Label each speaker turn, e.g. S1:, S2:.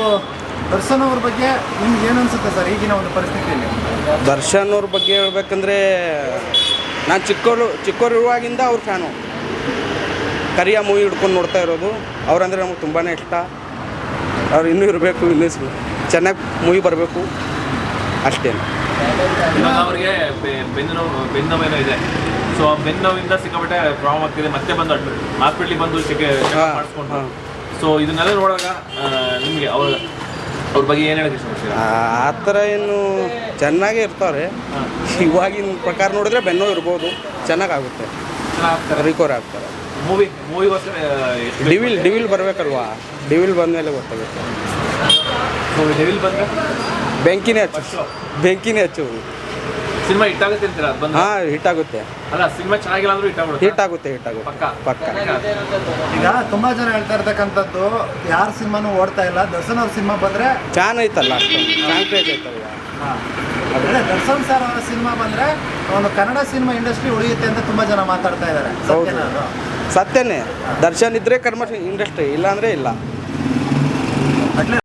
S1: ದರ್ಶನ್ ಅವ್ರ ಬಗ್ಗೆ ನಿಮ್ಗೆ ಏನು ಅನ್ಸುತ್ತೆ ಸರ್ ಈಗಿನ ಒಂದು ಪರಿಸ್ಥಿತಿಯಲ್ಲಿ?
S2: ದರ್ಶನ್ ಅವ್ರ ಬಗ್ಗೆ ಹೇಳ್ಬೇಕಂದ್ರೆ ನಾನು ಚಿಕ್ಕವರಿರುವಾಗಿಂದ ಅವ್ರ ಫ್ಯಾನು. ಕರಿಯ ಮೂವಿ ಹಿಡ್ಕೊಂಡು ನೋಡ್ತಾ ಇರೋದು. ಅವ್ರಂದರೆ ನಮಗೆ ತುಂಬಾ ಇಷ್ಟ. ಅವ್ರು ಇನ್ನೂ ಇರಬೇಕು, ಇನ್ನೂ ಚೆನ್ನಾಗಿ ಮೂವಿ ಬರಬೇಕು ಅಷ್ಟೇ.
S3: ಇವಾಗ ಅವ್ರಿಗೆ ಬೆನ್ನೋವೇನೋ ಇದೆ. ಸೊ ಆ ಬೆನ್ನೋವಿಂದ ಸಿಕ್ಕಾಪಟ್ಟೆ ಪ್ರಾಬ್ಲಮ್ ಆಗ್ತಿದೆ. ಮತ್ತೆ ಬಂದು ಹಾಸ್ಪಿಟ್ಲಿಗೆ ಬಂದು ಮಾಡಿಸ್ಕೊಂಡು. ಸೊ ಇದನ್ನೆಲ್ಲ ನೋಡುವಾಗ ನಿಮಗೆ ಅವ್ರ ಬಗ್ಗೆ ಏನು ಹೇಳೋಕ್ಕೆ ಇಷ್ಟಪಡ್ತೀರಾ?
S2: ಆ ಥರ ಏನು ಚೆನ್ನಾಗೇ ಇರ್ತಾರೆ. ಇವಾಗಿನ ಪ್ರಕಾರ ನೋಡಿದ್ರೆ ಬೆನ್ನೋ ಇರ್ಬೋದು, ಚೆನ್ನಾಗಾಗುತ್ತೆ, ರಿಕವರ್ ಆಗ್ತಾರೆ.
S3: ಮೂವಿಗೋಸ್ಕರ
S2: ಡಿವಿಲ್ ಬರಬೇಕಲ್ವಾ? ಡಿವಿಲ್ ಬಂದಮೇಲೆ ಗೊತ್ತಾಗುತ್ತೆ.
S3: ಡೆವಿಲ್ ಬಂದರೆ
S2: ಬೆಂಕಿನೇ ಹಚ್ಚು.
S3: ಸಿನಿಮಾ ಹಿಟ್ ಆಗುತ್ತೆ ಅಂತೀರಾ?
S2: ಹಾಂ, ಹಿಟ್ ಆಗುತ್ತೆ.
S3: ಅಲ್ಲ, ಸಿನಿಮಾ ಚೆನ್ನಾಗಿಲ್ಲ ಅಂದ್ರೂ ಹಿಟ್ ಆಗುತ್ತೆ.
S2: ಪಕ್ಕ.
S1: ಈಗ ತುಂಬಾ ಜನ ಹೇಳ್ತಾ ಇರ್ತಕ್ಕಂಥದ್ದು, ಯಾರ ಸಿನಿಮಾನು ಓಡ್ತಾ ಇಲ್ಲ, ದರ್ಶನ್ ಅವ್ರ ಸಿನಿಮಾ ಬಂದ್ರೆ
S2: ಫ್ಯಾನ್ ಐತಲ್ಲ, ಫ್ಯಾನ್ ಪೇಜ್ ಐತಲ್ವ.
S1: ಅದೇ ದರ್ಶನ್ ಸರ್ ಅವರ ಸಿನಿಮಾ ಬಂದ್ರೆ ಒಂದು ಕನ್ನಡ ಸಿನಿಮಾ ಇಂಡಸ್ಟ್ರಿ ಉಳಿಯುತ್ತೆ ಅಂತ ತುಂಬಾ ಜನ ಮಾತಾಡ್ತಾ ಇದ್ದಾರೆ.
S2: ಸತ್ಯನೇ. ದರ್ಶನ್ ಇದ್ರೆ ಕನ್ನಡ ಇಂಡಸ್ಟ್ರಿ, ಇಲ್ಲಾಂದ್ರೆ ಇಲ್ಲ.